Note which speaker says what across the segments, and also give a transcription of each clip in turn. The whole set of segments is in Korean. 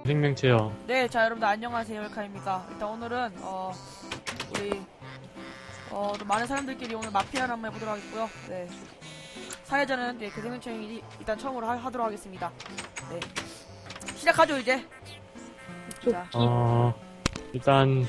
Speaker 1: 생명체요.
Speaker 2: 네, 자 여러분들 안녕하세요, 엘카입니다. 일단 오늘은 우리 좀 많은 사람들끼리 오늘 마피아를 한번 해보도록 하겠고요. 네, 사회자는 네, 그 생명체이 일단 처음으로 하도록 하겠습니다. 네, 시작하죠 이제. 자,
Speaker 1: 일단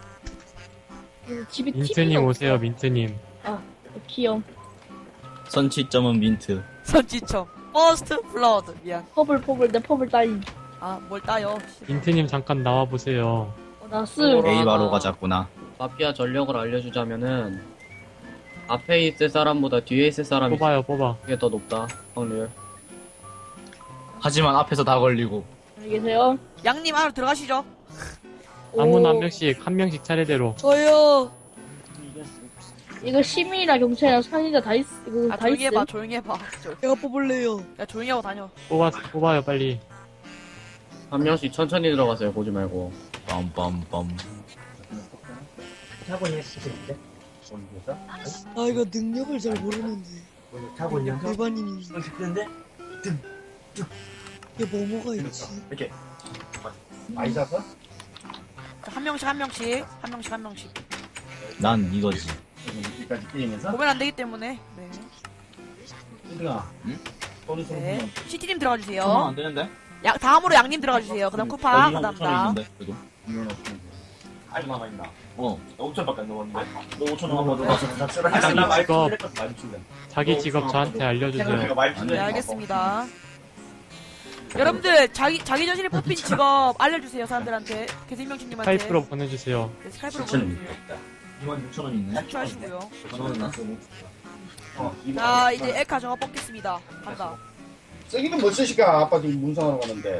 Speaker 3: 집에
Speaker 1: 민트님
Speaker 3: TV가
Speaker 1: 오세요,
Speaker 3: 없어.
Speaker 1: 민트님.
Speaker 3: 아, 귀여움.
Speaker 4: 선취점은 민트.
Speaker 2: 선지점 퍼스트 블러드. 미안.
Speaker 3: 퍼블 내 퍼블 따위.
Speaker 2: 아, 뭘 따요?
Speaker 1: 민트님 잠깐 나와 보세요.
Speaker 3: 나스.
Speaker 4: A 바로 가자꾸나.
Speaker 5: 마피아 전력을 알려주자면은 앞에 있을 사람보다 뒤에 있을 사람이
Speaker 1: 뽑아요, 뽑아.
Speaker 5: 그게 더 높다 확률.
Speaker 4: 하지만 앞에서 다 걸리고.
Speaker 3: 안녕히 계세요.
Speaker 2: 양님 안으로 들어가시죠.
Speaker 1: 아무나 한
Speaker 3: 오,
Speaker 1: 명씩 차례대로.
Speaker 2: 저요.
Speaker 3: 이거 시민이랑 경찰이랑 산이다 다 있어. 이거
Speaker 2: 아,
Speaker 3: 다
Speaker 2: 조용히
Speaker 3: 있어.
Speaker 2: 해봐, 조용히 해봐. 내가 뽑을래요. 야, 조용히 하고 다녀.
Speaker 1: 뽑아요, 빨리.
Speaker 5: 한 명씩 천천히 들어가세요. 보지 말고.
Speaker 4: 빰빰빰.
Speaker 6: 타고냐 시즌인데?
Speaker 7: 아 이거 능력을 잘 모르는데
Speaker 6: 타고냐?
Speaker 7: 일반인이
Speaker 6: 시즌인데?
Speaker 7: 이게 뭐가 있지?
Speaker 6: 이렇게 많이 잡아?
Speaker 2: 자, 한 명씩.
Speaker 4: 난 이거지.
Speaker 6: 여기까지 게임에서?
Speaker 2: 보면 안 되기 때문에. 네.
Speaker 6: 힘들어.
Speaker 4: 응?
Speaker 6: 돈이 좀
Speaker 2: 네. CT님 들어가 주세요.
Speaker 4: 안 되는데?
Speaker 2: 다음으로 양님 들어가 주세요. 그다음 쿠파, 그다음 나.
Speaker 4: 그래도.
Speaker 6: 이건 없는데. 아직 남아있나?
Speaker 4: 어.
Speaker 6: 나 5천밖에 안 넣었는데? 너 5천 넘어도
Speaker 2: 네.
Speaker 6: 나 많이
Speaker 1: 직업.
Speaker 6: 풀렸거든, 많이 풀렸
Speaker 1: 자기 직업 저한테 알려주세요.
Speaker 2: 네, 알겠습니다. 여러분들 자기 자신이 뽑힌 직업 알려주세요 사람들한테. 개생명신님한테.
Speaker 1: 스카이프로 보내주세요.
Speaker 2: 네, 스카이프로
Speaker 6: 5천
Speaker 2: 보내주세요.
Speaker 6: 있다.
Speaker 4: 2만 6천 원 있네.
Speaker 2: 탈출하시고요.
Speaker 4: 전화는 나 쓰고.
Speaker 2: 자, 이제 에카 정화 뽑겠습니다. 간다.
Speaker 8: 쓰기는 못 쓰시까 아빠 지금 문상하러 가는데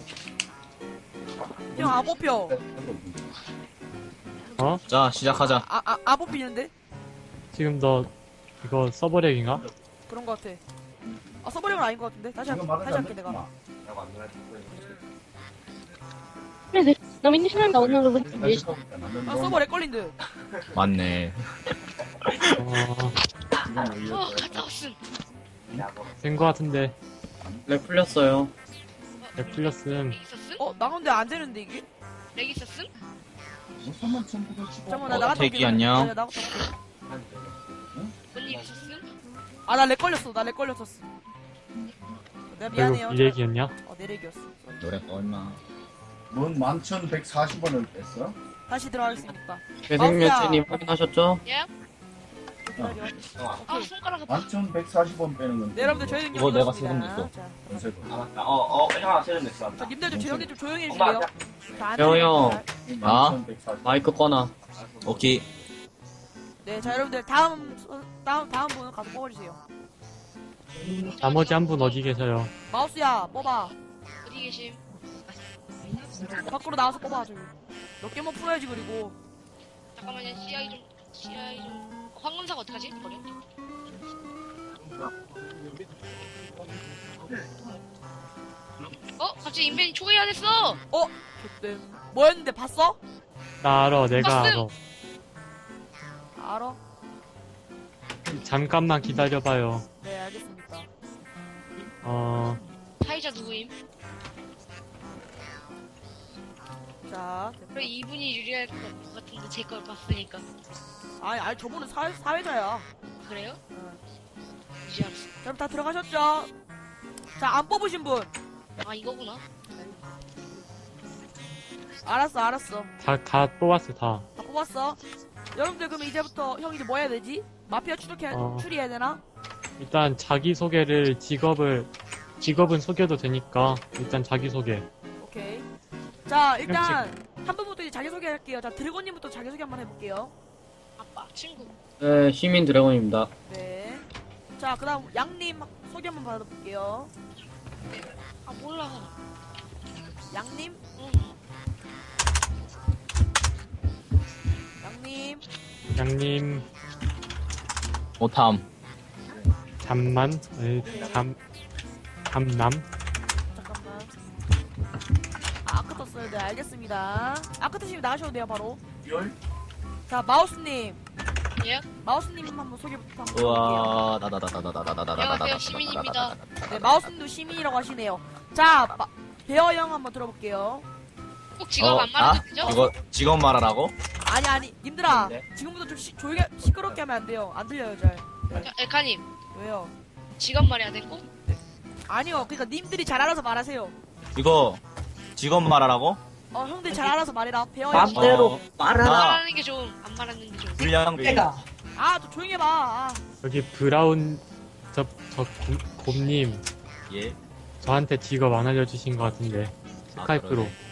Speaker 2: 형, 안 뽑혀.
Speaker 4: 자, 시작하자.
Speaker 2: 안 뽑히는데?
Speaker 1: 지금 너 이거 서버렉인가?
Speaker 2: 그런 거 같아. 아, 서버력은 아닌 거 같은데? 다시 할게 내가.
Speaker 3: 그래, 나 민트 신랑 나오는 거 보지.
Speaker 2: 아, 서버렉 걸린 듯.
Speaker 4: 맞네.
Speaker 1: 된 거 같은데.
Speaker 5: 렉 풀렸어요.
Speaker 1: 네, 풀렸음.
Speaker 2: 나가는데 안 되는데 이게?
Speaker 9: 렉 있었음?
Speaker 2: 잠깐만, 나 나갔다 올게.
Speaker 4: 대기 안녕.
Speaker 2: 네, 나갔다 올게.
Speaker 9: 뭔일 있었음?
Speaker 2: 아, 나 렉 걸렸어. 내가 미안해요.
Speaker 1: 결국 이 얘기였냐?
Speaker 2: 내 렉이었어.
Speaker 4: 노래 얼마?
Speaker 8: 넌 11,140원을 뺐어?
Speaker 2: 다시 들어가겠습니다.
Speaker 5: 개생명체님 확인하셨죠?
Speaker 9: 예?
Speaker 2: 기다려.
Speaker 9: 아
Speaker 2: 오케이.
Speaker 9: 손가락 아파.
Speaker 8: 11,140원 빼는 건데
Speaker 2: 네, 여러분들 저희는
Speaker 4: 이거 내가
Speaker 2: 이겼습니다.
Speaker 4: 세금
Speaker 2: 자,
Speaker 8: 연세금.
Speaker 6: 아 맞다. 하나 세금 냈어.
Speaker 2: 자, 님들 좀 조용히
Speaker 6: 엄마
Speaker 2: 해주세요. 자, 안
Speaker 5: 재호
Speaker 2: 들리니까.
Speaker 5: 형.
Speaker 4: 아?
Speaker 8: 11,140원
Speaker 5: 마이크 꺼놔.
Speaker 4: 오케이.
Speaker 2: 네, 자, 여러분들 다음 분은 가서 뽑아주세요.
Speaker 1: 나머지 한 분 어디 계세요?
Speaker 2: 마우스야, 뽑아.
Speaker 9: 어디 계심?
Speaker 2: 밖으로 나와서 뽑아, 저기. 몇 개만 풀어야지, 그리고.
Speaker 9: 잠깐만요. CI 좀. 황금사가 어떡하지? 버려. 갑자기 인벤이 초기화 됐어.
Speaker 2: 그때 뭐였는데 봤어?
Speaker 1: 나 알아, 내가 알아.
Speaker 2: 알아?
Speaker 1: 잠깐만 기다려봐요.
Speaker 2: 네, 알겠습니다.
Speaker 9: 사회자 누구임?
Speaker 2: 자,
Speaker 9: 그래 이분이 유리할 것 같은데 제 걸 봤으니까.
Speaker 2: 아니, 저분은 사회자야.
Speaker 9: 그래요?
Speaker 2: 응.
Speaker 9: 이제 알았어.
Speaker 2: 자, 여러분 다 들어가셨죠? 자, 안 뽑으신 분.
Speaker 9: 아 이거구나.
Speaker 2: 알았어.
Speaker 1: 다 뽑았어, 다.
Speaker 2: 다 뽑았어. 여러분들 그럼 이제부터 형 이제 뭐 해야 되지? 마피아 추리해야 되나?
Speaker 1: 일단 자기소개를 직업은 속여도 되니까 일단 자기소개.
Speaker 2: 오케이. 자, 일단 한 분부터 이제 자기소개 할게요. 자, 드래곤님부터 자기소개 한번 해볼게요.
Speaker 9: 아빠 친구.
Speaker 5: 네, 시민 드래곤입니다.
Speaker 2: 네. 자, 그 다음 양님 소개 한번 받아볼게요.
Speaker 9: 아 몰라.
Speaker 2: 양님?
Speaker 9: 응.
Speaker 2: 양님?
Speaker 1: 양님,
Speaker 4: 오탐.
Speaker 1: 잠남?
Speaker 2: 잠깐만. 아크 떴어요. 네, 알겠습니다. 아크 뜨시면 나가셔도 돼요, 바로. 자, 마우스님.
Speaker 9: 예?
Speaker 2: 마우스님 한번 소개부터 한번 해볼게요.
Speaker 4: 우와,
Speaker 9: 안녕하세요, 시민입니다.
Speaker 2: 네, 마우스님도 시민이라고 하시네요. 자, 배어 형 한번 들어볼게요.
Speaker 9: 꼭 직업 안 말해도 되죠?
Speaker 4: 이거 직업 말하라고?
Speaker 2: 아니, 님들아.
Speaker 6: 네.
Speaker 2: 지금부터 좀 조용히, 시끄럽게 하면 안 돼요. 안 들려요, 잘.
Speaker 9: 자, 엘카님
Speaker 2: 왜요?
Speaker 9: 직업 말해야 돼 꼭?
Speaker 2: 아니요, 그니까 님들이 잘 알아서 말하세요.
Speaker 4: 이거 직업 말하라고?
Speaker 2: 형들 잘 알아서 말해라. 배어 형.
Speaker 5: 맘대로
Speaker 4: 어.
Speaker 5: 말하라.
Speaker 9: 말하는 게 좋음. 안 말하는 게 좋음.
Speaker 4: 불량배.
Speaker 2: 좀 조용히 해봐.
Speaker 1: 여기 브라운, 곰님,
Speaker 4: 예.
Speaker 1: 저한테 직업 안 알려주신 것 같은데. 스카이프로.
Speaker 4: 그러네.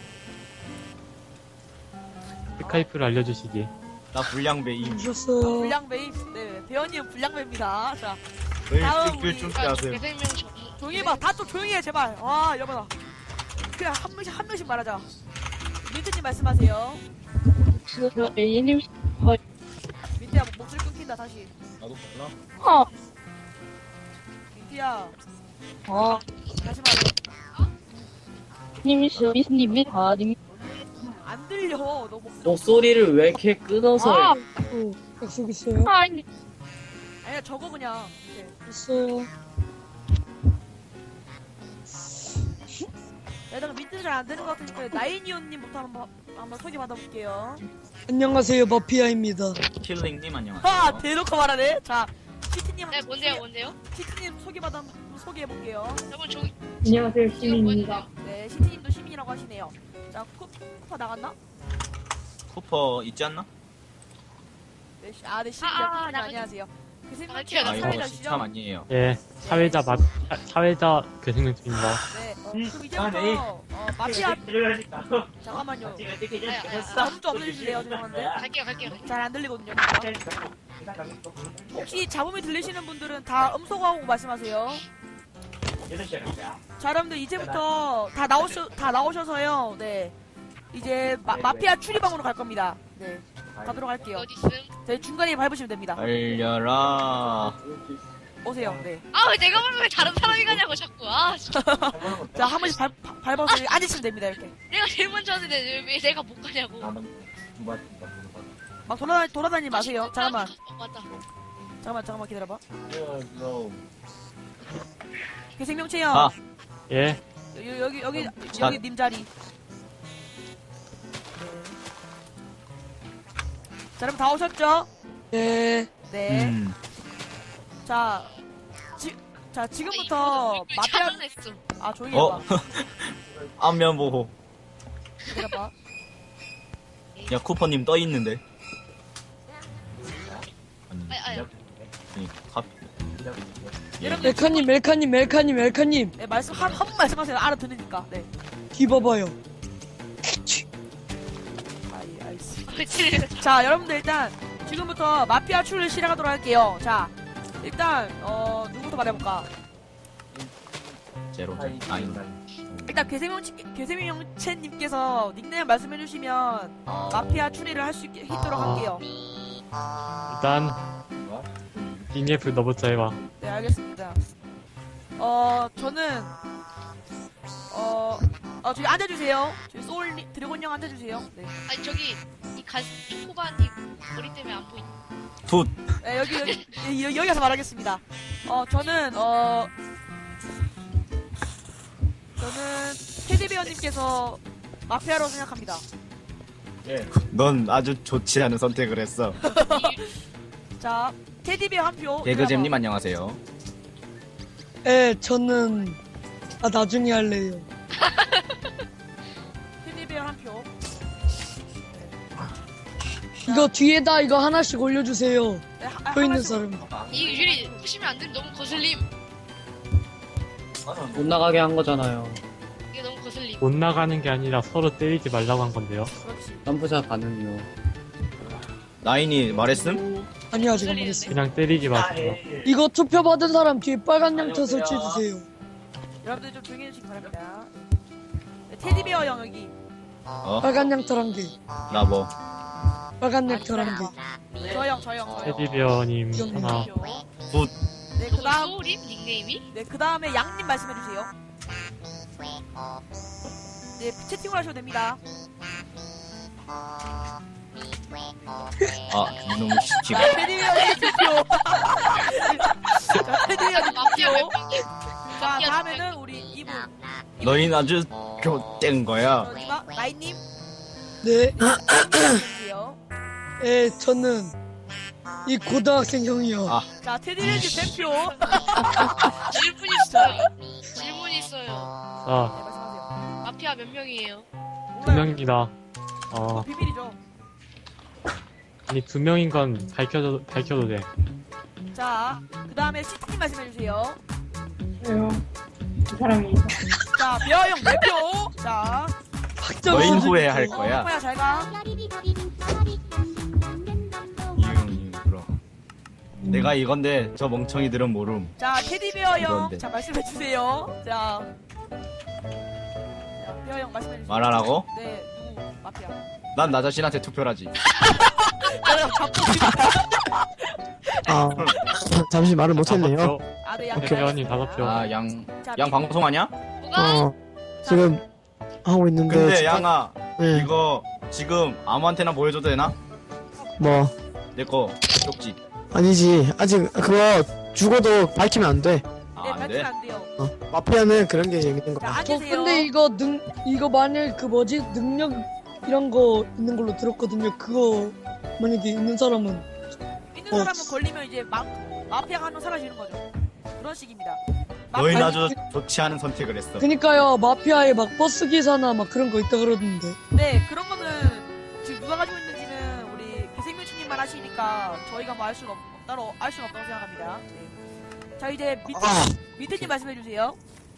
Speaker 1: 스카이프로 알려주시기.
Speaker 4: 나 불량배임.
Speaker 7: 오셨어요.
Speaker 2: 불량배임. 네, 배어님 불량배입니다. 자,
Speaker 4: 왜
Speaker 2: 다음
Speaker 4: 특별
Speaker 2: 우리-
Speaker 4: 준비하세요?
Speaker 9: 개생명
Speaker 2: 조용히 해봐. 다 좀 조용히 해, 제발. 와, 여보다. 그냥 한 명씩 말하자. 민트님 말씀하세요.
Speaker 3: 저 A님
Speaker 2: 민트야, 목소리 끊긴다, 다시.
Speaker 4: 나도 몰라.
Speaker 3: 어.
Speaker 2: 민트야,
Speaker 3: 어.
Speaker 2: 다시 말해.
Speaker 3: 님이 서비스님이 님.
Speaker 2: 안 들려, 너 목소리.
Speaker 5: 목소리를 왜 이렇게 끊어서
Speaker 3: 아.
Speaker 5: 해?
Speaker 7: 약속 있어요?
Speaker 3: 아니.
Speaker 2: 아니야, 저거 그냥. 이렇게.
Speaker 7: 있어요.
Speaker 2: 내가 민트 잘 안 되는 것 같으니까 나인이온님부터 한번 소개 받아볼게요.
Speaker 7: 안녕하세요, 마피아입니다.
Speaker 4: 킬링님 안녕하세요.
Speaker 2: 하! 대놓고 말하네. 자, 시티님
Speaker 9: 네, 뭔데요?
Speaker 2: 시티님 소개해볼게요.
Speaker 9: 여러분 저기
Speaker 3: 안녕하세요,
Speaker 9: 직업
Speaker 3: 시민입니다.
Speaker 9: 뭐였나요?
Speaker 2: 네, 시티님도 시민이라고 하시네요. 자, 쿠퍼 나갔나?
Speaker 4: 쿠퍼 있지 않나?
Speaker 2: 네, 네, 시민이요.
Speaker 9: 나가지.
Speaker 2: 안녕하세요. 그
Speaker 9: 나가지.
Speaker 2: 생명체가
Speaker 4: 아 이거
Speaker 2: 사회자시죠?
Speaker 4: 시참 아니에요.
Speaker 1: 예, 사회자 그 생명입니다.
Speaker 2: 네, 그럼 이제부터 마피아 잠깐만요. 아무 좀 없어주실래요? 죄송한데
Speaker 9: 갈게요.
Speaker 2: 잘 안 들리거든요. 혹시 잡음이 들리시는 분들은 다 음소거하고 말씀하세요. 자, 여러분들 이제부터 다 나오셔서요. 네, 이제 마피아 추리방으로 갈 겁니다. 네, 가도록 할게요.
Speaker 9: 어디 있음?
Speaker 2: 네, 중간에 밟으시면 됩니다.
Speaker 4: 알려라.
Speaker 2: 오세요. 네.
Speaker 9: 왜 내가 보면 왜 다른 사람이 가냐고 자꾸. 진짜.
Speaker 2: 자, 한 번씩 밟아서 앉으시면 됩니다. 이렇게
Speaker 9: 내가 제일 먼저 하는데 왜 내가 못 가냐고.
Speaker 2: 막 돌아다니지 마세요. 잠깐만.
Speaker 9: 맞다.
Speaker 2: 잠깐만 기다려봐. 그 생명체요.
Speaker 4: 아.
Speaker 1: 예,
Speaker 2: 여기 님 자리. 네. 자, 여러분 다 오셨죠?
Speaker 7: 네.
Speaker 2: 네. 자, 지금부터 마피아.
Speaker 9: 차단했어.
Speaker 2: 조용히 해봐.
Speaker 4: 어? 안면 보호.
Speaker 2: 기다려봐.
Speaker 4: 야 쿠퍼님 떠 있는데.
Speaker 9: 아야.
Speaker 4: 아니 갑.
Speaker 2: 여러분
Speaker 7: 멜카님.
Speaker 2: 네, 한 번 말씀하세요. 알아듣으니까. 네.
Speaker 7: 뒤봐봐요.
Speaker 2: 알겠습니다. 자, 여러분들 일단 지금부터 마피아 추리를 시작하도록 할게요. 자, 일단 누구부터 말해볼까?
Speaker 4: 제로.
Speaker 2: 일단 괴세명체님께서 닉네임 말씀해주시면 마피아 추리를 할 수 있도록 할게요.
Speaker 1: 일단 DNF 너부터 해봐.
Speaker 2: 네, 알겠습니다. 저는 저기 앉아주세요. 저기 드래곤 형 앉아주세요. 네.
Speaker 9: 아니 저기 이 초코바니 머리 때문에 안 보이.
Speaker 4: 붓.
Speaker 2: 네, 여기 가서 말하겠습니다. 저는 테디베어님께서 마피아라고 생각합니다.
Speaker 4: 넌 아주 좋지 않은 선택을 했어.
Speaker 2: 자, 테디베어 한 표.
Speaker 4: 개그잼님 안녕하세요.
Speaker 7: 저는 나중에 할래요.
Speaker 2: 테디베어 한 표.
Speaker 7: 이거 뒤에다 이거 하나씩 올려주세요.
Speaker 2: 네,
Speaker 7: 서 있는
Speaker 2: 하나씩
Speaker 7: 사람.
Speaker 9: 이 유리 푸시면 안 돼. 너무 거슬림.
Speaker 5: 못 나가게 한 거잖아요.
Speaker 9: 이게 너무 거슬림.
Speaker 1: 못 나가는 게 아니라 서로 때리지 말라고 한 건데요.
Speaker 2: 그렇지.
Speaker 5: 점프샷 가능요.
Speaker 4: 나인이 말했음?
Speaker 7: 아니 아직 안 말했어요.
Speaker 1: 그냥 때리지 마세요.
Speaker 7: 이거 투표 받은 사람 뒤에 빨간 양초 설치해주세요.
Speaker 2: 여러분들 좀 조용히 해주시기 바랍니다. 네, 테디베어 형 여기.
Speaker 4: 어?
Speaker 7: 빨간 양털 한 개.
Speaker 4: 나 뭐?
Speaker 7: 빨간 양털 한 개.
Speaker 2: 저 형.
Speaker 1: 테디베어님 하나.
Speaker 4: 붓.
Speaker 2: 네, 그 다음.
Speaker 9: 소울임 닉네임이?
Speaker 2: 네, 그 다음에 양님 말씀해주세요. 네, 채팅을 하셔도 됩니다.
Speaker 4: 이놈의 시키가.
Speaker 2: 자, 테디베어님 투표. 자, 테디베어님
Speaker 9: 마피아
Speaker 2: 투표.
Speaker 9: 맵.
Speaker 2: 자, 다음에는 우리 이분.
Speaker 4: 너희는 아주 좆된 거야.
Speaker 2: 마이님.
Speaker 7: 네,
Speaker 2: 해주세요.
Speaker 7: 예, 저는 이 고등학생 형이요.
Speaker 4: 아.
Speaker 2: 자, 테디랜드 대표.
Speaker 9: 질문 있어요. 질문 있어요.
Speaker 1: 아,
Speaker 2: 네, 말씀하세요.
Speaker 9: 마피아 몇 명이에요?
Speaker 1: 두 명입니다.
Speaker 2: 비밀이죠.
Speaker 1: 아니, 두 명인 건 밝혀도 돼.
Speaker 2: 자, 그 다음에 시트님 말씀해주세요.
Speaker 3: 그 사람이.
Speaker 2: 자, 벼형 대표. 자,
Speaker 4: 너인 후회 할 거야.
Speaker 2: 호야 잘 가.
Speaker 4: 이응 그럼. 내가 이건데 저 멍청이들은 모름.
Speaker 2: 자, 테디베어 형.
Speaker 4: 이건데.
Speaker 2: 자, 말씀해주세요. 자, 베어 형 말씀해주세요.
Speaker 4: 말하라고?
Speaker 2: 네, 누구 마피아?
Speaker 4: 난 나 자신한테 투표하지.
Speaker 2: 내가 잡고
Speaker 10: 아, 잠시 말을 못했네요.
Speaker 2: 아, 네, 양.
Speaker 1: 배우님 5표.
Speaker 4: 아, 양
Speaker 2: 자,
Speaker 4: 방송하냐?
Speaker 9: 뭐가?
Speaker 10: 어, 지금 하고 있는데.
Speaker 4: 근데
Speaker 10: 진짜-
Speaker 4: 양아,
Speaker 10: 네,
Speaker 4: 이거 지금 아무한테나 보여줘도 되나?
Speaker 10: 뭐,
Speaker 4: 내 거 쪽지.
Speaker 10: 아니지. 아직 그거 죽어도 밝히면 안 돼.
Speaker 2: 네,
Speaker 4: 아, 안
Speaker 2: 밝히면
Speaker 4: 돼?
Speaker 2: 안 돼요.
Speaker 10: 마피아는 그런 게 재밌는
Speaker 2: 자,
Speaker 10: 거야.
Speaker 7: 저
Speaker 2: 앉으세요.
Speaker 7: 근데 이거 만약 그 뭐지 능력 이런 거 있는 걸로 들었거든요. 그거 만약에 있는 사람은
Speaker 2: 있는 사람은 걸리면 이제 마피아가 한 명 사라지는 거죠. 그런 식입니다.
Speaker 4: 너희는
Speaker 2: 마피아-
Speaker 4: 아주 좋지 않은 선택을 했어.
Speaker 7: 그니까요 마피아에 막 버스 기사나 막 그런 거 있다 그러던데.
Speaker 2: 네, 그런 거는 지금 누가 가지고 있는지는 우리 배생명치님만 하시니까 저희가 뭐 알 수는 따로 알 수는 없다고 생각합니다. 네. 자, 이제 밑에님 말씀해주세요.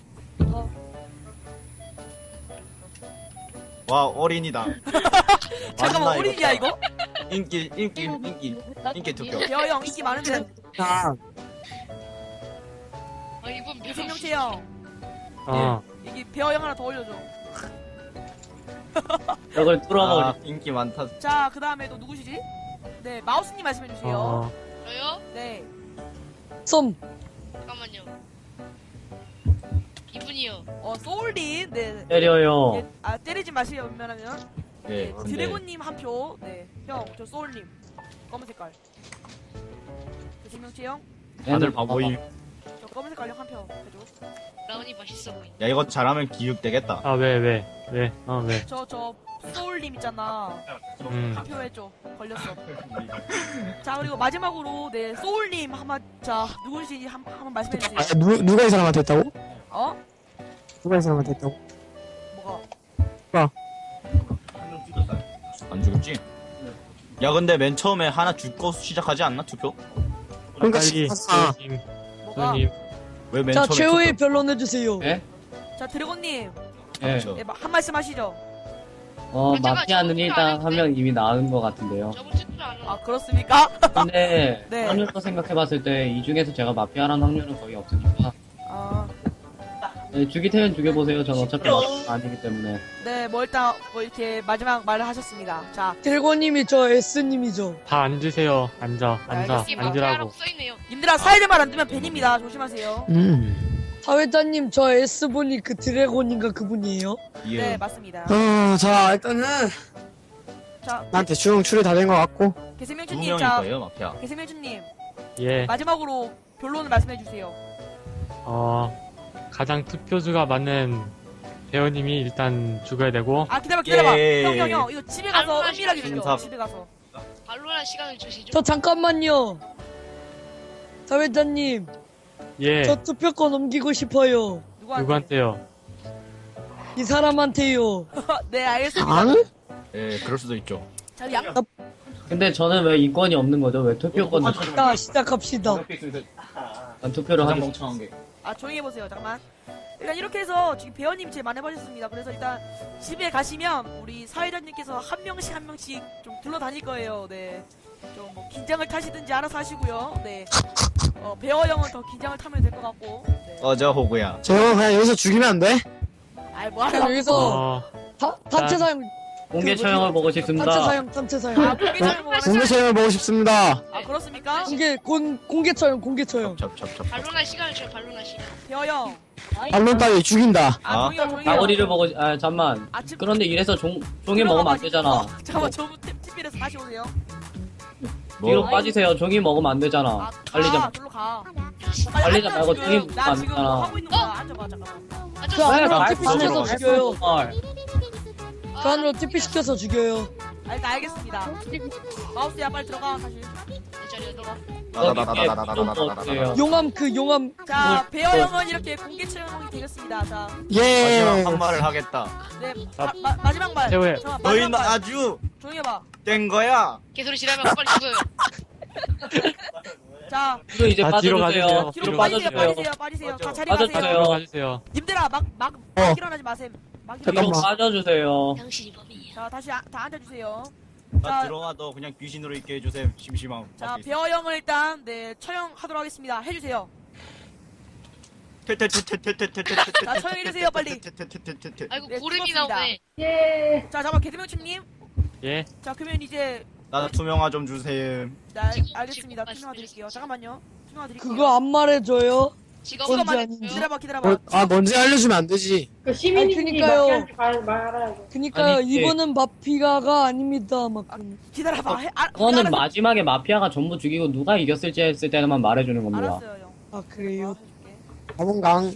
Speaker 4: 와 어린이다.
Speaker 2: 잠깐만,
Speaker 4: 맞나,
Speaker 2: 어린이야 이거?
Speaker 4: 인기 투표.
Speaker 2: 배어 형 인기 많은데?
Speaker 10: 아,
Speaker 9: 아 이분 몇
Speaker 2: 배생명치 형,
Speaker 1: 아,
Speaker 2: 여기 배어 형 하나 더 올려줘.
Speaker 5: 벽을 뚫어버리.
Speaker 4: 아, 인기 많다.
Speaker 2: 자, 그 다음에 또 누구시지? 네, 마우스님 말씀해주세요.
Speaker 9: 저요?
Speaker 2: 네.
Speaker 7: 썸
Speaker 9: 잠깐만요. 이분이요.
Speaker 2: 소울님, 네.
Speaker 5: 때려요.
Speaker 2: 예, 아, 때리지 마세요, 웬만하면.
Speaker 4: 네. 근데
Speaker 2: 드래곤님 한 표. 네. 형, 저 소울님. 검은 색깔. 배생명치 형,
Speaker 4: 다들 바보임.
Speaker 2: 저 검은 색깔 형 한 표. 해줘.
Speaker 9: 라운이 맛있어 보인다.
Speaker 4: 야 이거 잘하면 기육되겠다.
Speaker 1: 아, 왜? 왜?
Speaker 2: 저 소울님 있잖아. 한 표 해줘. 걸렸어. 자, 그리고 마지막으로, 네, 소울님 자, 누구신지 한번 말씀해주세요.
Speaker 10: 아, 누가 이 사람한테 했다고?
Speaker 2: 어?
Speaker 10: 누가 이 사람한테 했다고?
Speaker 2: 뭐가?
Speaker 4: 안 죽었지? 야 근데 맨 처음에 하나 죽고 시작하지 않나 투표?
Speaker 10: 그러니까
Speaker 1: 빨리,
Speaker 10: 아,
Speaker 1: 배우님,
Speaker 2: 뭐가?
Speaker 1: 배우님.
Speaker 4: 왜 맨
Speaker 7: 자
Speaker 4: 처음에
Speaker 7: 최후의
Speaker 4: 투표?
Speaker 7: 변론해주세요.
Speaker 5: 예?
Speaker 2: 자, 드래곤님.
Speaker 5: 예.
Speaker 4: 그렇죠.
Speaker 2: 네, 한 말씀 하시죠.
Speaker 5: 마피아는 일단 한 명 이미 나은 것 같은데요.
Speaker 9: 저번 주도 안
Speaker 2: 아, 그렇습니까?
Speaker 5: 근데
Speaker 2: 네.
Speaker 5: 확률로 생각해봤을 때 이 중에서 제가 마피아라는 확률은 거의 없으니까
Speaker 2: 아,
Speaker 5: 네, 죽이태는 죽여보세요. 전 어차피 마피아가 아니기 때문에.
Speaker 2: 네, 뭐 일단 뭐 이렇게 마지막 말을 하셨습니다. 자,
Speaker 7: 드래곤님이 저 S님이죠.
Speaker 1: 다 앉으세요. 앉아.
Speaker 9: 여기 마피아라고
Speaker 1: 앉으라고.
Speaker 9: 써있네요.
Speaker 2: 님들아, 사회들 말 안 들으면 벤입니다. 조심하세요.
Speaker 7: 사회자님 저 S분이 그 드래곤인가 그분이에요?
Speaker 4: 예.
Speaker 2: 네, 맞습니다.
Speaker 10: 자, 일단은
Speaker 2: 자,
Speaker 10: 난 대충 추리 다 된 것 같고.
Speaker 4: 두
Speaker 2: 개세명주님,
Speaker 4: 명일
Speaker 2: 자,
Speaker 4: 거예요 마피아.
Speaker 2: 개세명주님
Speaker 1: 예.
Speaker 2: 마지막으로 변론을 말씀해 주세요.
Speaker 1: 가장 투표수가 많은 배우님이 일단 죽어야 되고.
Speaker 2: 아, 기다려봐.
Speaker 4: 예.
Speaker 2: 형, 이거 집에 가서 은밀하게 주죠.
Speaker 4: 인사.
Speaker 2: 집에 가서.
Speaker 9: 발로란 시간을 주시죠.
Speaker 7: 저 잠깐만요. 사회자님
Speaker 1: 예.
Speaker 7: 저 투표권 넘기고 싶어요.
Speaker 1: 누구한테요?
Speaker 7: 이 사람한테요.
Speaker 2: 네, 알겠습니다.
Speaker 10: 아?
Speaker 4: 예, 그럴 수도 있죠.
Speaker 2: 자, 양,
Speaker 5: 근데 저는 왜 이권이 없는 거죠? 왜 투표권을
Speaker 7: 자 시작합시다.
Speaker 5: 투표를
Speaker 6: 가장
Speaker 5: 하겠
Speaker 6: 멍청한 게.
Speaker 2: 아, 조용히 해보세요. 잠깐만. 일단 이렇게 해서 지금 배우님이 제일 많이 해보셨습니다. 그래서 일단 집에 가시면 우리 사회자님께서 한 명씩 좀 둘러다닐 거예요. 네. 좀 뭐 긴장을 타시든지 알아서 하시고요. 네. 배어 형은 더 긴장을 타면 될 것 같고. 네.
Speaker 4: 어저 호구야.
Speaker 10: 저 형 그냥 여기서 죽이면 안 돼?
Speaker 2: 아이, 뭐하냐.
Speaker 7: 여기서 단체 사용
Speaker 5: 공개 처형을 보고 싶습니다.
Speaker 7: 단체 사용.
Speaker 2: 아, 공개 처형 뭐
Speaker 10: 공개 처형을 보고 싶습니다.
Speaker 2: 아, 그렇습니까?
Speaker 7: 공개 처형.
Speaker 4: 접접접.
Speaker 9: 발로란 시간을 줘요. 발로란 시간.
Speaker 2: 배어 형.
Speaker 10: 반론 따위 죽인다.
Speaker 2: 아, 조용히 해요.
Speaker 5: 나머리를 보고 잠만.
Speaker 2: 아, 지금
Speaker 5: 그런데 이래서 종이 먹으면 안 되잖아.
Speaker 2: 잠깐만, 저 TV에서 다시 오세요.
Speaker 5: 뒤로 빠지세요. 종이 먹으면 안 되잖아.
Speaker 2: 아,
Speaker 5: 달리자.
Speaker 2: 절로 가.
Speaker 5: 달리자
Speaker 2: 앉아,
Speaker 5: 말고
Speaker 2: 지금.
Speaker 5: 종이 먹으면
Speaker 2: 나
Speaker 5: 안
Speaker 2: 지금
Speaker 5: 되잖아.
Speaker 2: 뭐 하고 있는 거야. 앉아봐, 잠깐만.
Speaker 7: 그 안으로
Speaker 5: 날
Speaker 7: TP 시켜서
Speaker 4: 들어가.
Speaker 7: 죽여요.
Speaker 5: 말.
Speaker 7: 그 안으로 TP 시켜서 죽여요.
Speaker 2: 아, 일단 알겠습니다. 마우스야, 빨리 들어가, 다시.
Speaker 9: 내 자리에 들어가.
Speaker 5: 나나나나나나나나나나나.
Speaker 7: 용암 그 용암
Speaker 2: 자, 베어 형은 이렇게 공개 채용이 되겠습니다. 자,
Speaker 10: 예.
Speaker 4: 마지막 한 말을 하겠다.
Speaker 2: 네, 마지막 말.
Speaker 1: 최후의.
Speaker 2: 잠깐만,
Speaker 4: 너희는
Speaker 2: 마지막 말.
Speaker 4: 아주
Speaker 2: 조용히 해봐.
Speaker 4: 된 거야.
Speaker 9: 개소리 지르면 빨리 죽어요.
Speaker 2: 자,
Speaker 5: 뒤로 이제
Speaker 1: 다 뒤로
Speaker 5: 빠져주세요.
Speaker 1: 가주세요.
Speaker 2: 뒤로
Speaker 5: 뒤로
Speaker 2: 빠지세요,
Speaker 5: 빠져주세요.
Speaker 2: 빠지세요. 자, 자리
Speaker 5: 빠져주세요.
Speaker 2: 가세요.
Speaker 1: 들어가주세요.
Speaker 2: 님들아, 막
Speaker 10: 어.
Speaker 2: 일어나지 마세요. 막
Speaker 5: 뒤로
Speaker 10: 잠깐만.
Speaker 5: 빠져주세요.
Speaker 9: 당신이 범인이야.
Speaker 2: 자, 다시 다 앉아주세요.
Speaker 4: 나
Speaker 2: 자,
Speaker 4: 들어와도 그냥 귀신으로 있게 해주셈. 심심함.
Speaker 2: 자, 베어 형을 일단 네 처형하도록 하겠습니다. 해주세요. 자, 처형해주세요, 빨리.
Speaker 9: 아이고
Speaker 2: 네,
Speaker 9: 구름이
Speaker 2: 죽었습니다.
Speaker 9: 나오네.
Speaker 3: 예.
Speaker 2: 자, 잠깐 개드명침님.
Speaker 1: 예.
Speaker 2: 자, 그러면 이제
Speaker 4: 나 투명화 좀 주셈.
Speaker 2: 알겠습니다. 투명화 드릴게요. 잠깐만요. 투명화 드릴게요.
Speaker 7: 그거 안 말해줘요.
Speaker 9: 직업은
Speaker 7: 뭔지
Speaker 2: 잠깐만
Speaker 7: 아닌지.
Speaker 2: 기다려봐, 기다려봐.
Speaker 10: 뭔지 알려주면 안 되지.
Speaker 3: 그 시민이
Speaker 7: 그니까요.
Speaker 3: 말하라고.
Speaker 7: 그니까요,
Speaker 5: 아니,
Speaker 7: 이번은 마피아가 아닙니다. 막 그러면.
Speaker 2: 기다려봐.
Speaker 5: 그거는 마지막에 마피아가 전부 죽이고 누가 이겼을지 했을 때만 말해주는 겁니다.
Speaker 2: 알았어요, 형.
Speaker 7: 아 그래요.
Speaker 2: 해줄게.
Speaker 10: 가문강.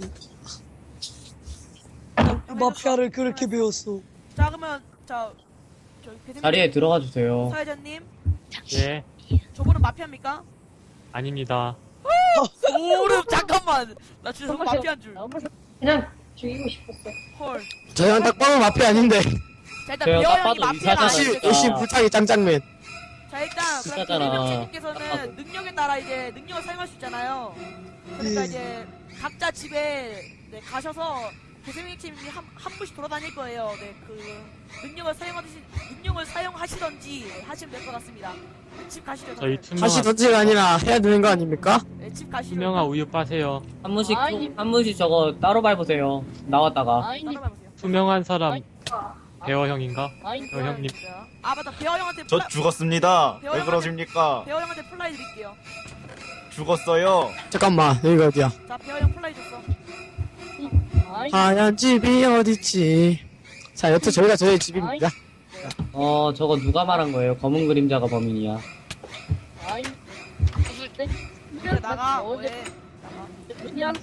Speaker 7: 마피아를 그렇게 배웠어.
Speaker 2: 자, 그러면 저 개드명
Speaker 5: 자리에 들어가 주세요.
Speaker 2: 사회자님,
Speaker 1: 예.
Speaker 2: 저분은 마피아입니까?
Speaker 1: 아닙니다.
Speaker 2: 오름 잠깐만. 나 진짜 저분 마피아인 줄.
Speaker 3: 그냥 죽이고 싶었어.
Speaker 2: 헐.
Speaker 10: 저형 딱 봐도 마피 아닌데.
Speaker 2: 자, 일단
Speaker 5: 저요,
Speaker 2: 베어
Speaker 5: 딱
Speaker 2: 형이
Speaker 5: 봐도
Speaker 2: 마피아가
Speaker 5: 의사잖아요.
Speaker 10: 역시
Speaker 2: 아니니까.
Speaker 10: 역시 불타기 짱짱맨.
Speaker 2: 자, 일단 그럼
Speaker 5: 진짜잖아.
Speaker 2: 개드명님께서는 능력에 따라 이제 능력을 사용할 수 있잖아요. 그러니까
Speaker 7: 예.
Speaker 2: 이제 각자 집에 네, 가셔서 개드명님이 한 분씩 돌아다닐 거예요. 네, 그 능력을 사용하시던지 하시면 될 것 같습니다. 집 가시죠.
Speaker 1: 저희
Speaker 2: 다들.
Speaker 10: 다시
Speaker 1: 투명화,
Speaker 10: 던지가 아니라 해야 되는 거 아닙니까?
Speaker 2: 네, 집 가시죠.
Speaker 1: 투명화 우유 빠세요.
Speaker 5: 한 분씩 저거 따로 밟으세요. 나왔다가.
Speaker 2: 따라가보세요.
Speaker 1: 투명한 사람 배어 형인가? 배어 형님.
Speaker 2: 아, 맞다. 베어 형한테
Speaker 4: 저 죽었습니다.
Speaker 2: 배워
Speaker 4: 왜
Speaker 2: 형한테-
Speaker 4: 그러십니까?
Speaker 2: 베어 형한테 플라이 드릴게요.
Speaker 4: 죽었어요.
Speaker 10: 잠깐만 여기가 어디야?
Speaker 2: 자, 베어 형 플라이 줬어.
Speaker 10: 하얀 집이 어딨지? 자 여튼 저희가 저희 집입니다.
Speaker 5: 저거 누가 말한 거예요? 검은 그림자가 범인이야.
Speaker 2: 그래, 나가. 왜? 나가.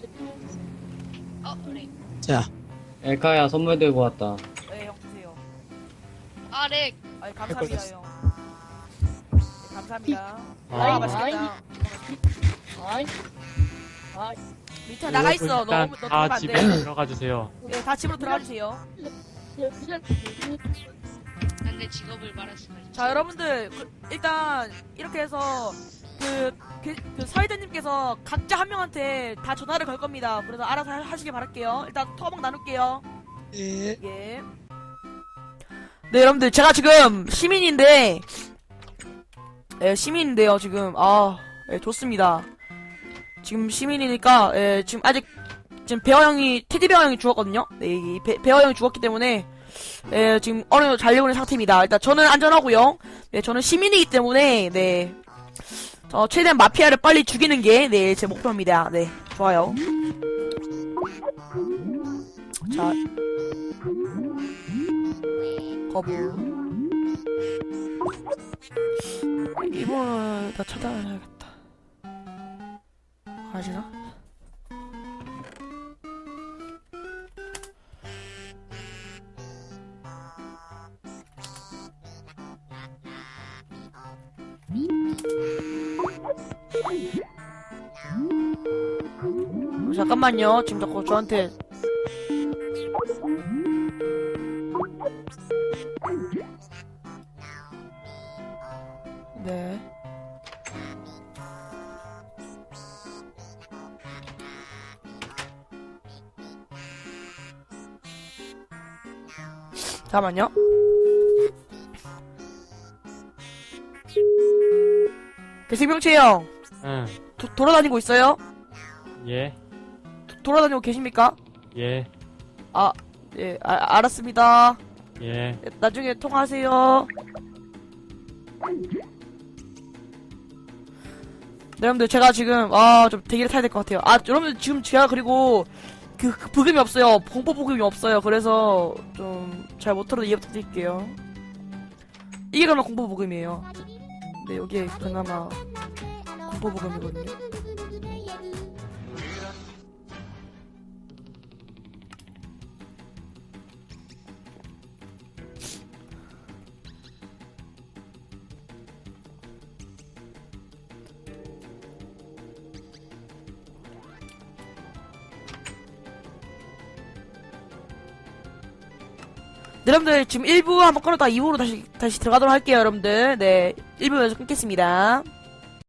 Speaker 9: 그래.
Speaker 10: 자
Speaker 5: 엘카야 선물 들고 왔다.
Speaker 2: 네, 형 주세요.
Speaker 9: 아 렉.
Speaker 2: 아이, 감사합니다, 형. 네, 감사합니다. 아, 맛있겠다. 밑에 나가 있어. 너
Speaker 1: 일단
Speaker 2: 들어가면
Speaker 1: 다
Speaker 2: 안
Speaker 1: 집에
Speaker 2: 돼.
Speaker 1: 들어가 주세요.
Speaker 2: 네, 다 집으로 들어가 주세요.
Speaker 9: 난 내 직업을 말할 수가 있지.
Speaker 2: 자, 여러분들 일단 이렇게 해서 그 사회자님께서 각자 한 명한테 다 전화를 걸 겁니다. 그래서 알아서 하시길 바랄게요. 일단 토막 나눌게요.
Speaker 7: 예.
Speaker 2: 예. 네, 여러분들 제가 지금 시민인데, 시민인데요. 지금 예, 좋습니다. 지금 시민이니까 지금 아직 베어 형이 테디베어 형이 죽었거든요. 네, 이 베어 형이 죽었기 때문에 지금 어느 정도 잘 되고 있는 상태입니다. 일단 저는 안전하고요. 네, 저는 시민이기 때문에 네, 최대한 마피아를 빨리 죽이는 게 네, 제 목표입니다. 네, 좋아요. 자, 거부. 이번은 다 차단해야겠다. 아시나? 잠깐만요. 지금 자꾸 저한테 네. 잠깐만요. 생명체 형,
Speaker 1: 응.
Speaker 2: 돌아다니고 있어요?
Speaker 1: 예.
Speaker 2: 돌아다니고 계십니까?
Speaker 1: 예.
Speaker 2: 예, 알았습니다.
Speaker 1: 예.
Speaker 2: 나중에 통화하세요. 네, 여러분들 제가 지금 좀 대기를 타야 될 것 같아요. 여러분들 지금 제가 그리고 그 부금이 없어요. 공포 부금이 없어요. 그래서 좀 잘 못 들어도 이해 부탁드릴게요. 이게 그러면 공포 부금이에요. 네, 여기에 그나마 공포보금이거든요. 네, 여러분들 지금 1부 한번 끊었다가 2부로 다시 들어가도록 할게요, 여러분들. 네, 1부에서 끊겠습니다.